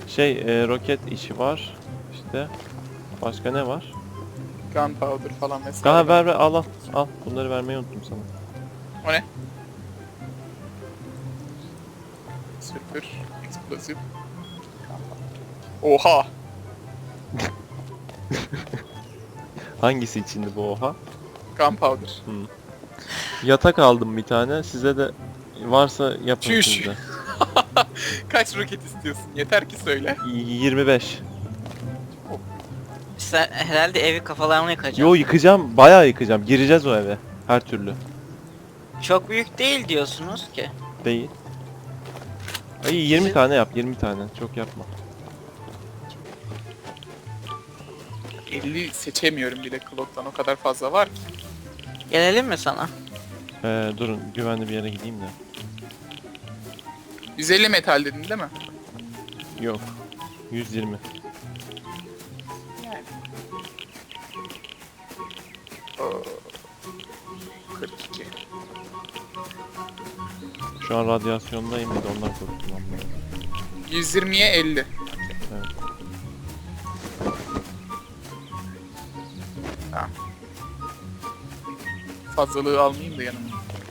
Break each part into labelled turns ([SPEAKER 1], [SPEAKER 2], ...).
[SPEAKER 1] Roket işi var. İşte. Başka ne var?
[SPEAKER 2] Gunpowder falan vesaire.
[SPEAKER 1] Daha ver al. Al. Bunları vermeyi unuttum sana.
[SPEAKER 2] O ne? Sülfür, eksplosif. Oha!
[SPEAKER 1] Hangisi içindi bu oha?
[SPEAKER 2] Gunpowder.
[SPEAKER 1] Yatak aldım bir tane. Size de varsa yapın
[SPEAKER 2] Çüş.
[SPEAKER 1] siz de.
[SPEAKER 2] Kaç roket istiyorsun? Yeter ki söyle.
[SPEAKER 1] 25.
[SPEAKER 3] Sen herhalde evi kafalarına yıkacaksın.
[SPEAKER 1] Yo yıkacağım. Bayağı yıkacağım. Gireceğiz o eve. Her türlü.
[SPEAKER 3] Çok büyük değil diyorsunuz ki.
[SPEAKER 1] Değil. Ay 20 tane yap. 20 tane. Çok yapma.
[SPEAKER 2] 50 seçemiyorum bile Clock'tan, o kadar fazla var ki.
[SPEAKER 3] Gelelim mi sana?
[SPEAKER 1] Durun. Güvenli bir yere gideyim de.
[SPEAKER 2] 150 metal dedin değil mi?
[SPEAKER 1] Yok. 120.
[SPEAKER 2] Yani. Oo. 42.
[SPEAKER 1] Şu an radyasyondayım bir de ondan korktum.
[SPEAKER 2] 120'ye 50.
[SPEAKER 1] Evet.
[SPEAKER 2] Tamam. Fazlalığı almayayım da yanıma.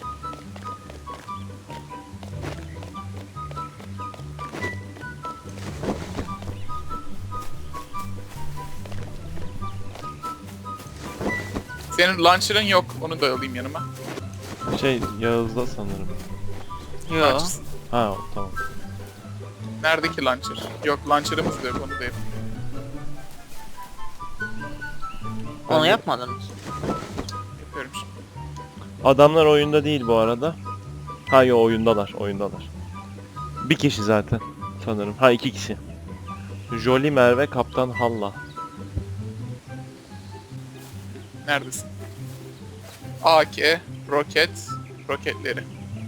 [SPEAKER 2] Senin launcher'ın yok, onu da alayım yanıma.
[SPEAKER 1] Yağız'da sanırım.
[SPEAKER 3] Yo.
[SPEAKER 2] Launcher.
[SPEAKER 1] Ha tamam.
[SPEAKER 2] Neredeki launcher? Yok, launcher'ımız da yok, onu da yapayım.
[SPEAKER 1] Ben
[SPEAKER 3] Onu
[SPEAKER 1] de-
[SPEAKER 3] yapmadınız.
[SPEAKER 2] Yapıyorum şimdi.
[SPEAKER 1] Adamlar oyunda değil bu arada. Ha yo oyundalar. Bir kişi zaten sanırım. Ha 2 kişi. Jolly Merve Kaptan Halla.
[SPEAKER 2] Neredesin? AK, roket, roketleri.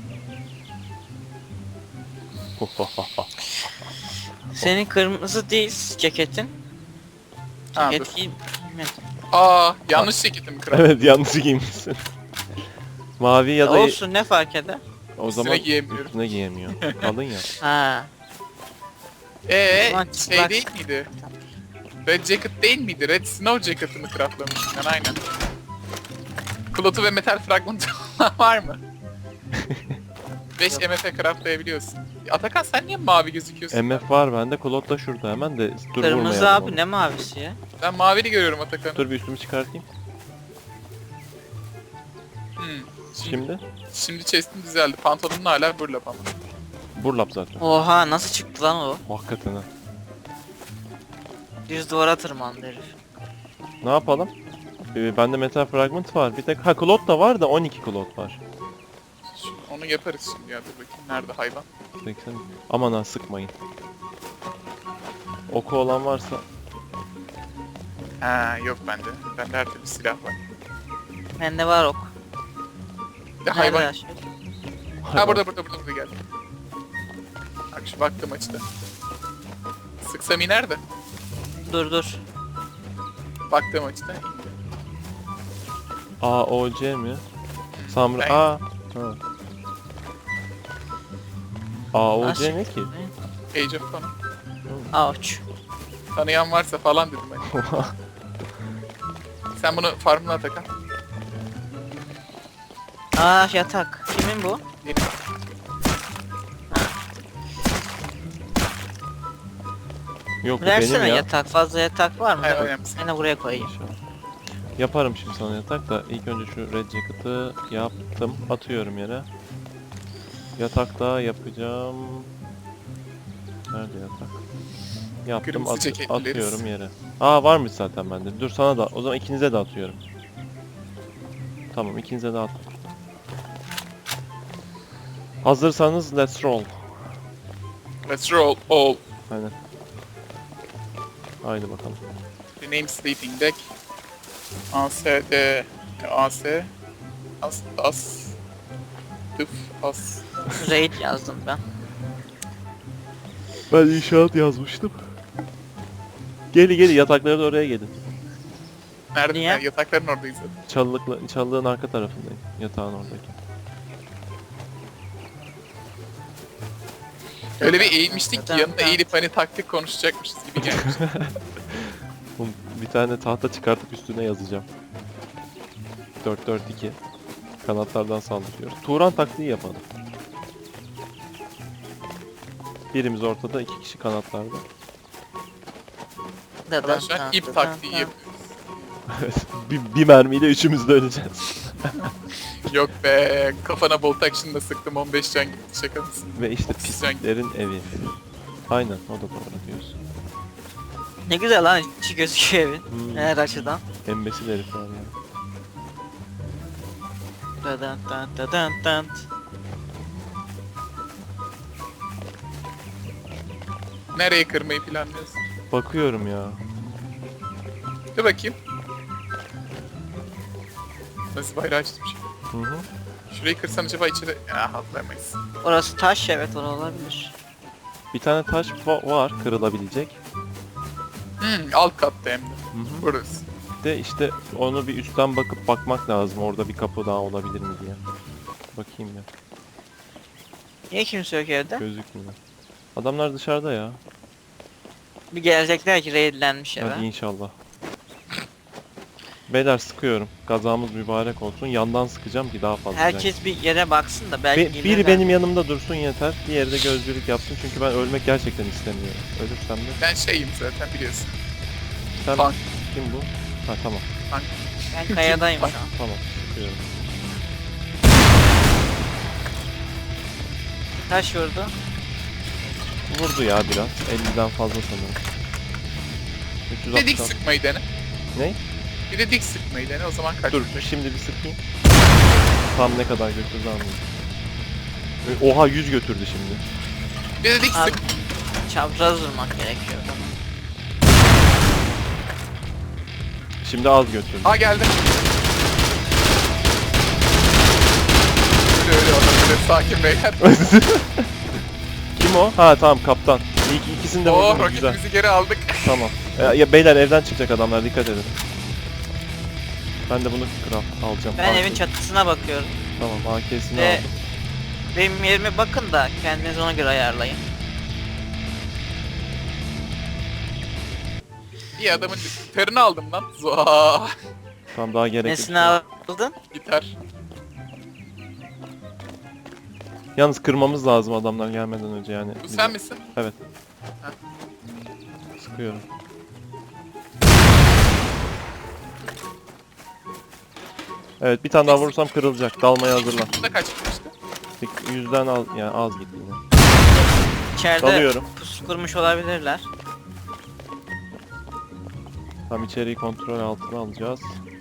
[SPEAKER 3] Senin kırmızı değil ceketin.
[SPEAKER 2] Ha, dur.
[SPEAKER 3] Ceket giymedim.
[SPEAKER 2] Yanlış ceketim kral.
[SPEAKER 1] Evet yanlış giymişsin. Mavi ya da
[SPEAKER 3] Olsun ne fark eder?
[SPEAKER 1] o
[SPEAKER 2] Üstüne
[SPEAKER 1] zaman
[SPEAKER 2] giyemiyorum.
[SPEAKER 1] üstüne giyemiyor. Kalın ya.
[SPEAKER 3] Ha. Ulan
[SPEAKER 2] Şey
[SPEAKER 3] bak.
[SPEAKER 2] değil miydi? Red Jacket değil miydi? Red Snow Jacket'ını craftlamıştım ben, aynen. Klotu ve metal fragmanı var mı? 5 MF craftlayabiliyorsun. Atakan sen niye mavi gözüküyorsun?
[SPEAKER 1] MF var bende. Klot da şurada hemen de dur
[SPEAKER 3] Kırmızı
[SPEAKER 1] vurmayalım
[SPEAKER 3] abi
[SPEAKER 1] onu.
[SPEAKER 3] ne mavisi ya?
[SPEAKER 2] Ben mavili görüyorum Atakan'ı.
[SPEAKER 1] Dur bir üstümü çıkartayım. Şimdi
[SPEAKER 2] Şimdi chest'in düzeldi. Pantolonun hala burlap ama.
[SPEAKER 1] burlap zaten.
[SPEAKER 3] Oha nasıl çıktı lan o?
[SPEAKER 1] Hakikaten ha.
[SPEAKER 3] Düz duvara tırmandı herif.
[SPEAKER 1] Ne yapalım? Bende metal fragment var. Bir tek Klot da var da 12 Klot var.
[SPEAKER 2] Onu yaparız şimdi ya, dur bakayım. Nerede hayvan?
[SPEAKER 1] 80. Aman ha sıkmayın. Oku olan varsa
[SPEAKER 2] Ha yok bende. Bende her türlü silah var.
[SPEAKER 3] Bende var ok.
[SPEAKER 2] Bir de hayvan.
[SPEAKER 3] Nerede aşağı?
[SPEAKER 2] Ha burada geldi. Bak şu baktım açıda. Sıksam iner de.
[SPEAKER 3] Dur.
[SPEAKER 2] Baktığım açıda indi.
[SPEAKER 1] AOC mi? Samra
[SPEAKER 2] Ben-
[SPEAKER 1] Ha. AOC
[SPEAKER 3] Aşık.
[SPEAKER 1] ne ki?
[SPEAKER 2] Age of Conan.
[SPEAKER 3] Ouch.
[SPEAKER 2] Tanıyan varsa falan dedim ben. Sen bunu farmına Atakan.
[SPEAKER 3] Yatak. Kimin bu?
[SPEAKER 2] Benim.
[SPEAKER 1] Yok bu
[SPEAKER 3] Versene
[SPEAKER 1] benim ya.
[SPEAKER 3] yatak. Fazla yatak var mı?
[SPEAKER 2] Hayır, önemli.
[SPEAKER 3] Ben de buraya koyayım.
[SPEAKER 1] Yaparım şimdi sana yatak da ilk önce şu red jacket'ı yaptım. Atıyorum yere. Yatak daha yapacağım. Nerede yatak? Yaptım
[SPEAKER 2] Kırmızı ceketlileriz.
[SPEAKER 1] atıyorum yere. Varmış zaten bende. Dur sana da o zaman ikinize de atıyorum. Tamam ikinize de attım. Hazırsanız let's roll.
[SPEAKER 2] Let's roll all.
[SPEAKER 1] Aynen. Haydi bakalım.
[SPEAKER 2] Rename sleeping deck. ASD. As. Tıf. As.
[SPEAKER 3] Raid yazdım ben.
[SPEAKER 1] Ben inşaat yazmıştım. Gelin yatakları da oraya gelin.
[SPEAKER 2] Nerede?
[SPEAKER 3] Niye?
[SPEAKER 2] Yani yatakların oradayız zaten.
[SPEAKER 1] Çalılığın arka tarafındayım. Yatağın oradaki.
[SPEAKER 2] Öyle bir eğilmiştik ki yanına eğilip hani taktik konuşacakmışız gibi gelmiş.
[SPEAKER 1] Oğlum, bir tane tahta çıkartıp üstüne yazacağım. 4-4-2. Kanatlardan saldırıyoruz. Turan taktiği yapalım. Birimiz ortada, 2 kişi kanatlarda.
[SPEAKER 2] Ben şu an ip taktiği yapıyorum.
[SPEAKER 1] Evet, bir mermiyle üçümüz de öleceğiz.
[SPEAKER 2] Yok be, kafana bolt action'da sıktım 15 can gitti, şaka mısın?
[SPEAKER 1] Ve işte
[SPEAKER 2] Otuz can gitti.
[SPEAKER 1] pisliklerin evi. Aynen, o da doğru diyorsun.
[SPEAKER 3] Ne güzel lan, içi gözüküyor evin.
[SPEAKER 1] Hmm.
[SPEAKER 3] Her açıdan.
[SPEAKER 1] Embesil herifler ya.
[SPEAKER 3] Dadant dant dadant dant.
[SPEAKER 2] Nereye kırmayı planlıyorsun?
[SPEAKER 1] Bakıyorum ya.
[SPEAKER 2] Dur bakayım. Nasıl bayrağı çizmiş?
[SPEAKER 1] Hı hı.
[SPEAKER 2] Şurayı kırsam acaba içeri... atlayamayız.
[SPEAKER 3] Orası taş, evet, orası olabilir.
[SPEAKER 1] Bir tane taş var kırılabilecek.
[SPEAKER 2] Alt katta hem de.
[SPEAKER 1] Hı hı.
[SPEAKER 2] Burası.
[SPEAKER 1] De işte onu bir üstten bakmak lazım. Orada bir kapı daha olabilir mi diye. Bakayım ya.
[SPEAKER 3] Niye kimse yok evde?
[SPEAKER 1] Gözükmüyor. Adamlar dışarıda ya.
[SPEAKER 3] Bir gelecekler ki raidlenmiş eve.
[SPEAKER 1] Hadi inşallah. Beyler sıkıyorum. Gazamız mübarek olsun. Yandan sıkacağım ki daha fazla.
[SPEAKER 3] Herkes bir yere baksın da belki
[SPEAKER 1] Biri
[SPEAKER 3] gelirler.
[SPEAKER 1] benim yanımda dursun yeter. Diğeri de gözcülük yapsın çünkü ben ölmek gerçekten istemiyorum. Ölürsem de.
[SPEAKER 2] Ben şeyim zaten biliyorsun.
[SPEAKER 1] Sen
[SPEAKER 2] Tank.
[SPEAKER 1] kim bu? Ha tamam.
[SPEAKER 3] Ben kayadayım şu an.
[SPEAKER 1] Tamam. Sıkıyorum.
[SPEAKER 3] Taş vurdu.
[SPEAKER 1] Vurdu ya biraz. 50'den fazla sanırım.
[SPEAKER 2] Bir de dik
[SPEAKER 1] 360'dan.
[SPEAKER 2] sıkmayı dene.
[SPEAKER 1] Ne?
[SPEAKER 2] Bir de dik sıkmayı dene, o zaman kaç.
[SPEAKER 1] Dur şimdi bir sıkayım. Tam ne kadar götürdü anlayayım. Oha 100 götürdü şimdi.
[SPEAKER 2] Bir de dik
[SPEAKER 3] Abi,
[SPEAKER 2] sık.
[SPEAKER 3] çapraz vurmak gerekiyor o zaman.
[SPEAKER 1] Şimdi az götürdü.
[SPEAKER 2] Ha geldi. Öyle öyle sakin beyler.
[SPEAKER 1] Kim o? Ha tamam kaptan. İkisini de
[SPEAKER 2] Oo,
[SPEAKER 1] vurdum güzel.
[SPEAKER 2] roketimizi geri aldık.
[SPEAKER 1] Tamam. Ya beyler evden çıkacak adamlar dikkat edin. Ben de bunu craft alacağım.
[SPEAKER 3] Ben
[SPEAKER 1] AK.
[SPEAKER 3] evin çatısına bakıyorum.
[SPEAKER 1] Tamam AK'sini
[SPEAKER 3] Ve-
[SPEAKER 1] aldım.
[SPEAKER 3] Benim yerime bakın da kendiniz ona göre ayarlayın.
[SPEAKER 2] İyi adamın gitarını aldım lan. Zoa.
[SPEAKER 1] Tamam daha gerek yok.
[SPEAKER 3] Nesini aldın?
[SPEAKER 2] Gitar.
[SPEAKER 1] Yalnız kırmamız lazım adamlar gelmeden önce yani.
[SPEAKER 2] Bu sen misin?
[SPEAKER 1] Evet.
[SPEAKER 2] Ha.
[SPEAKER 1] Sıkıyorum. Evet bir tane daha vurursam kırılacak. Dalmaya hazırlan.
[SPEAKER 2] Bunda kaç gitmişti?
[SPEAKER 1] 100'den az yani az gitti yine.
[SPEAKER 3] İçeride
[SPEAKER 1] Dalıyorum.
[SPEAKER 3] pusu kurmuş olabilirler.
[SPEAKER 1] Tam içeriği kontrol altına alacağız.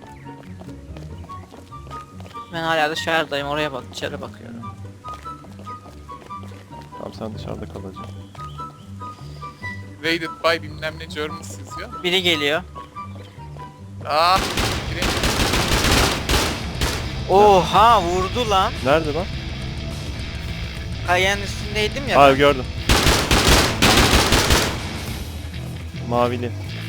[SPEAKER 3] Ben hala dışarıdayım, oraya bak, dışarı bakıyorum.
[SPEAKER 1] Tamam sen dışarıda kalacaksın.
[SPEAKER 2] Raided by bilmem ne Germans yazıyor.
[SPEAKER 3] Biri geliyor.
[SPEAKER 2] Ah. Gireyim.
[SPEAKER 3] Oha, vurdu lan.
[SPEAKER 1] Nerede lan?
[SPEAKER 3] Kayanın üstündeydim ya.
[SPEAKER 1] Aa
[SPEAKER 3] ben.
[SPEAKER 1] gördüm. Mavili.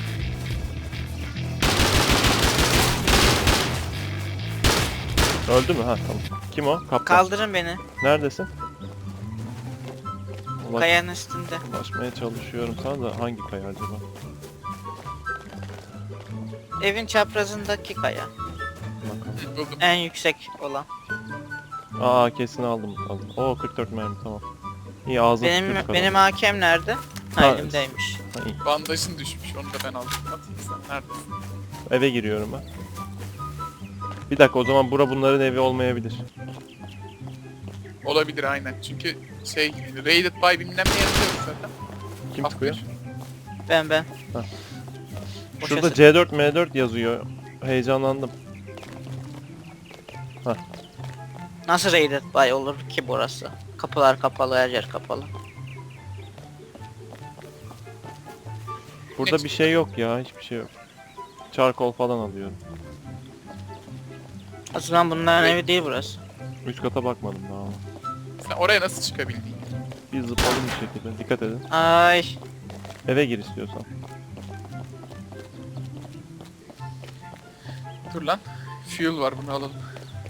[SPEAKER 1] Öldü mü? Ha tamam. Kim o? Kaptan.
[SPEAKER 3] Kaldırın beni.
[SPEAKER 1] Neredesin?
[SPEAKER 3] Kayanın üstünde.
[SPEAKER 1] Ulaşmaya çalışıyorum sana da hangi kaya acaba?
[SPEAKER 3] Evin çaprazındaki kaya.
[SPEAKER 1] Bakalım.
[SPEAKER 2] Buldum.
[SPEAKER 3] En yüksek olan.
[SPEAKER 1] Aa kesini aldım. Oo 44 mermi tamam. İyi ağzını
[SPEAKER 3] Benim hakem nerede? Ha,
[SPEAKER 1] Ha,
[SPEAKER 3] elimdeymiş.
[SPEAKER 2] Bandajın düşmüş, onu da ben aldım. Atayım sen, neredesin?
[SPEAKER 1] Eve giriyorum ben. Bir dakika o zaman bunların evi olmayabilir.
[SPEAKER 2] Olabilir aynen. Çünkü şey, Raided by bilmem ne yazıyor zaten.
[SPEAKER 1] Kim
[SPEAKER 2] Af
[SPEAKER 1] çıkıyor?
[SPEAKER 3] Ben.
[SPEAKER 1] Ha.
[SPEAKER 3] Boşa
[SPEAKER 1] Şurada
[SPEAKER 3] sık-
[SPEAKER 1] C4 M4 yazıyor. Heyecanlandım.
[SPEAKER 3] Nasıl raided by olur ki burası? Kapılar kapalı, her yer kapalı.
[SPEAKER 1] Burada bir şey yok ya hiçbir şey yok. Charcoal falan alıyorum.
[SPEAKER 3] O zaman bunların evi değil burası.
[SPEAKER 1] Üst kata bakmadım daha ama.
[SPEAKER 2] Sen oraya nasıl çıkabildin?
[SPEAKER 1] Bir zıpladım bir şekilde. Dikkat edin.
[SPEAKER 3] Ay.
[SPEAKER 1] Eve gir istiyorsan.
[SPEAKER 2] Dur lan. Fuel var, bunu alalım.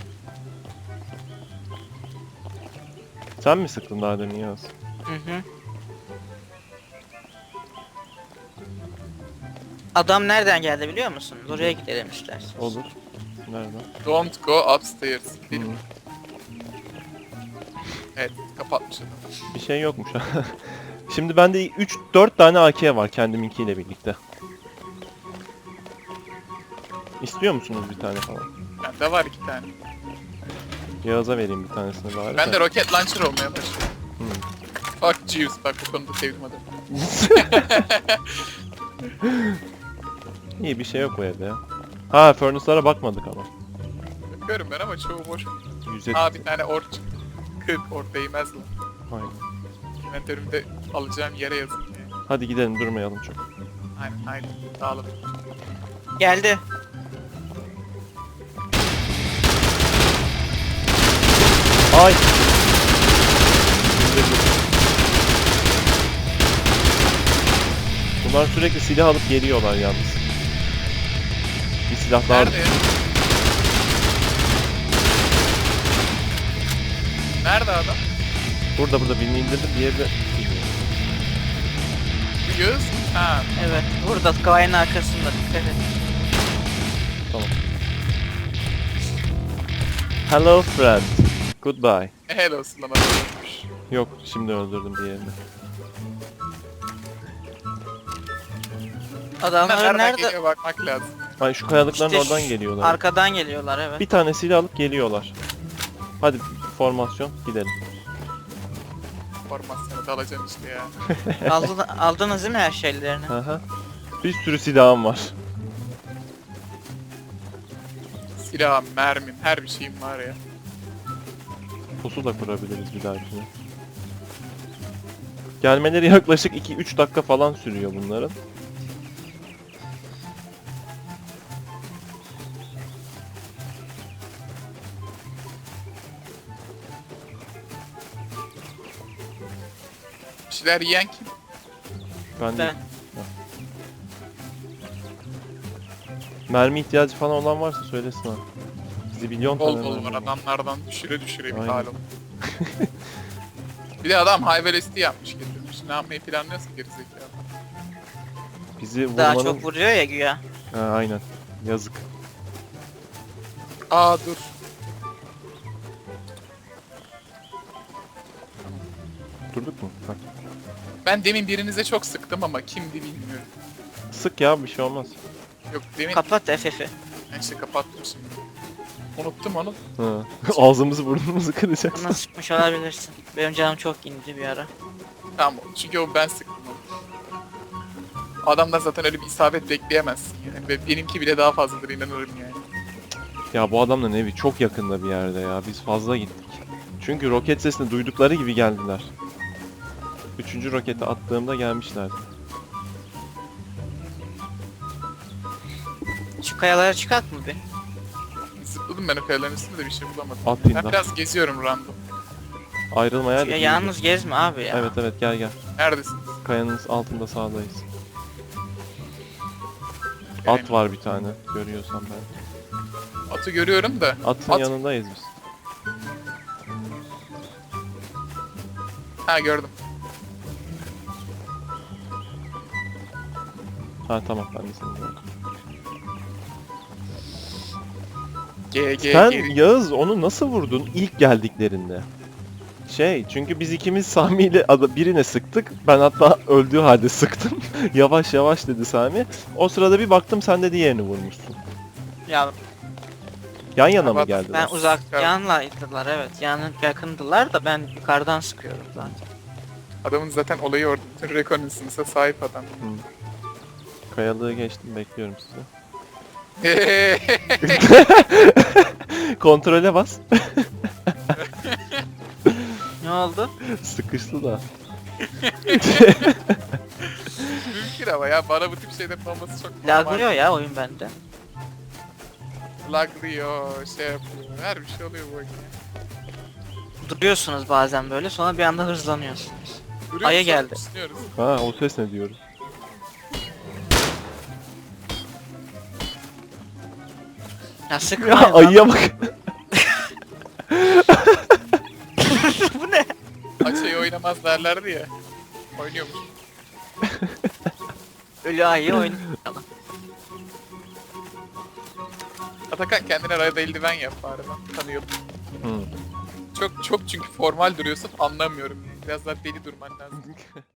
[SPEAKER 1] Sen mi sıktın daha demin Yağız?
[SPEAKER 3] Hı hı. Adam nereden geldi biliyor musun? Oraya gidelim istersen.
[SPEAKER 1] Olur. Nerede?
[SPEAKER 2] Don't go upstairs.
[SPEAKER 1] Hı.
[SPEAKER 2] Evet, kapatmış adam.
[SPEAKER 1] Bir şey yokmuş. Şimdi bende 3-4 tane AK var kendiminkiyle birlikte. İstiyor musunuz bir tane falan?
[SPEAKER 2] Bende var 2 tane.
[SPEAKER 1] Yağız'a vereyim bir tanesini bari.
[SPEAKER 2] Ben de roket launcher olmaya başladım.
[SPEAKER 1] Hmm.
[SPEAKER 2] Fuck Jeeves, bak bu konuda sevdim adamı.
[SPEAKER 1] İyi bir şey yok bu evde ya. Ha furnace'lara bakmadık ama.
[SPEAKER 2] Bakıyorum ben ama çoğu boş.
[SPEAKER 1] 170.
[SPEAKER 2] Aa bir tane or çıktı. 40 or değmez lan.
[SPEAKER 1] Aynen.
[SPEAKER 2] Inventörümde alacağım yere yazın diye.
[SPEAKER 1] Hadi gidelim durmayalım çok.
[SPEAKER 2] Aynen dağılın.
[SPEAKER 3] Geldi.
[SPEAKER 1] Ay! Bunlar sürekli silah alıp geliyorlar yalnız. Bir silah daha...
[SPEAKER 2] Nerede ya? Nerede adam?
[SPEAKER 1] Burada birini indirdim, diğeri de...
[SPEAKER 2] Bu göz. Ha.
[SPEAKER 3] Evet. Burada kayanın arkasında. Dikkat et.
[SPEAKER 1] Tamam. Hello friend. Goodbye.
[SPEAKER 2] Helal olsun lan adam ölmüş.
[SPEAKER 1] Yok, şimdi öldürdüm diğerini.
[SPEAKER 3] Adamlar
[SPEAKER 2] Nereden
[SPEAKER 3] nerede?
[SPEAKER 2] geliyor bakmak lazım.
[SPEAKER 1] Ay şu kayalıkların
[SPEAKER 3] İşte
[SPEAKER 1] oradan
[SPEAKER 3] şu-
[SPEAKER 1] geliyorlar.
[SPEAKER 3] Arkadan geliyorlar evet.
[SPEAKER 1] Bir tanesiyle alıp geliyorlar. Hadi formasyon gidelim.
[SPEAKER 2] Formasyonu da alacaksın işte ya.
[SPEAKER 3] Aldınız değil mi her şeylerini?
[SPEAKER 1] Aha. Bir sürü silahım var.
[SPEAKER 2] Silahım, mermim, her bir şeyim var ya.
[SPEAKER 1] Pusu da kurabiliriz bir dahakine. Gelmeleri yaklaşık 2-3 dakika falan sürüyor bunların.
[SPEAKER 2] Bir şeyler yiyen kim?
[SPEAKER 1] Ben,
[SPEAKER 3] Ben.
[SPEAKER 1] mermi ihtiyacı falan olan varsa söylesin ha. Zibilyon
[SPEAKER 2] Bol
[SPEAKER 1] tane
[SPEAKER 2] bol
[SPEAKER 1] mermi
[SPEAKER 2] var adamlardan düşüre bir
[SPEAKER 1] Aynen.
[SPEAKER 2] hal oldu. Bir de adam high velocity yapmış getirmiş. Ne yapmayı planlıyorsa gerizekalı.
[SPEAKER 1] Bizi
[SPEAKER 3] Daha
[SPEAKER 1] vurmanın...
[SPEAKER 3] çok vuruyor ya güya.
[SPEAKER 1] Ha, aynen. Yazık.
[SPEAKER 2] Aa dur.
[SPEAKER 1] Durduk mu? Bak.
[SPEAKER 2] Ben demin birinize çok sıktım ama kimdi bilmiyorum.
[SPEAKER 1] Sık ya bir şey olmaz.
[SPEAKER 2] Yok demin
[SPEAKER 3] Kapat FF'i.
[SPEAKER 2] ben işte kapattım şimdi. Unuttum onu.
[SPEAKER 1] Ha. Ağzımızı burnumuzu kıracak.
[SPEAKER 3] Bana sıkmış olabilirsin. Benim canım çok indi bir ara.
[SPEAKER 2] Tamam çünkü o ben sıktım onu. Adamdan zaten öyle bir isabet bekleyemezsin yani. Ve benimki bile daha fazladır inanırım yani.
[SPEAKER 1] Ya bu adamların evi çok yakında bir yerde ya. Biz fazla gittik. Çünkü roket sesini duydukları gibi geldiler. Üçüncü roketi attığımda gelmişlerdi.
[SPEAKER 3] Şu kayalara çıkak mı bir?
[SPEAKER 2] Zıpladım ben o kayaların üstünde de bir şey bulamadım.
[SPEAKER 1] Atayım
[SPEAKER 2] Ben
[SPEAKER 1] da.
[SPEAKER 2] biraz geziyorum random.
[SPEAKER 1] Ayrılmaya da
[SPEAKER 3] Ya
[SPEAKER 1] iyi.
[SPEAKER 3] yalnız gezme abi ya.
[SPEAKER 1] Evet evet gel gel.
[SPEAKER 2] Neredesiniz?
[SPEAKER 1] Kayanın altında sağdayız. At
[SPEAKER 2] Göremiyorum.
[SPEAKER 1] var bir tane. Görüyorsan ben.
[SPEAKER 2] Atı görüyorum da.
[SPEAKER 1] Atın
[SPEAKER 2] At-
[SPEAKER 1] yanındayız biz.
[SPEAKER 2] Ha gördüm.
[SPEAKER 1] Ha tamam ben de seni gördüm.
[SPEAKER 2] GG
[SPEAKER 1] Sen
[SPEAKER 2] geri.
[SPEAKER 1] Yağız onu nasıl vurdun ilk geldiklerinde? Çünkü biz ikimiz Sami ile birine sıktık. Ben hatta öldüğü halde sıktım. Yavaş yavaş dedi Sami. O sırada bir baktım sen de diğerini vurmuşsun.
[SPEAKER 3] Ya
[SPEAKER 1] Yan yana mı
[SPEAKER 2] Evet,
[SPEAKER 1] geldiler?
[SPEAKER 3] ben uzak
[SPEAKER 2] Evet.
[SPEAKER 3] yanlaydılar evet. Yakındılar da ben yukarıdan sıkıyorum zaten.
[SPEAKER 2] Adamın zaten olayı orada. Bütün reconnaissance'a sahip adam.
[SPEAKER 1] Kayalığı geçtim bekliyorum sizi.
[SPEAKER 2] Eee,
[SPEAKER 1] Kontrole bas.
[SPEAKER 3] Ne oldu?
[SPEAKER 1] Sıkıştı da.
[SPEAKER 2] Mümkün ama ya bana bu tip şeylerin olması çok normal.
[SPEAKER 3] Laglıyor ya oyun bende.
[SPEAKER 2] Laglıyor, şey yapıyor. Her bir şey oluyor bu oyunda.
[SPEAKER 3] Duruyorsunuz bazen böyle sonra bir anda hızlanıyorsunuz.
[SPEAKER 2] Duruyoruz,
[SPEAKER 3] Aya
[SPEAKER 2] sonra
[SPEAKER 3] geldi.
[SPEAKER 2] düşünüyoruz.
[SPEAKER 1] Ha o ses ne diyorum?
[SPEAKER 3] Ya sıkma
[SPEAKER 1] Ya ayıya bak.
[SPEAKER 3] Bu ne?
[SPEAKER 2] Açayı oynamaz derlerdi ya. Oynuyormuş.
[SPEAKER 3] Ölü ayı oynayalım.
[SPEAKER 2] Atakan kendine rayda eldiven yap bari ben tanıyorum.
[SPEAKER 1] Hmm.
[SPEAKER 2] Çok çünkü formal duruyorsun anlamıyorum. Biraz daha deli durman lazım.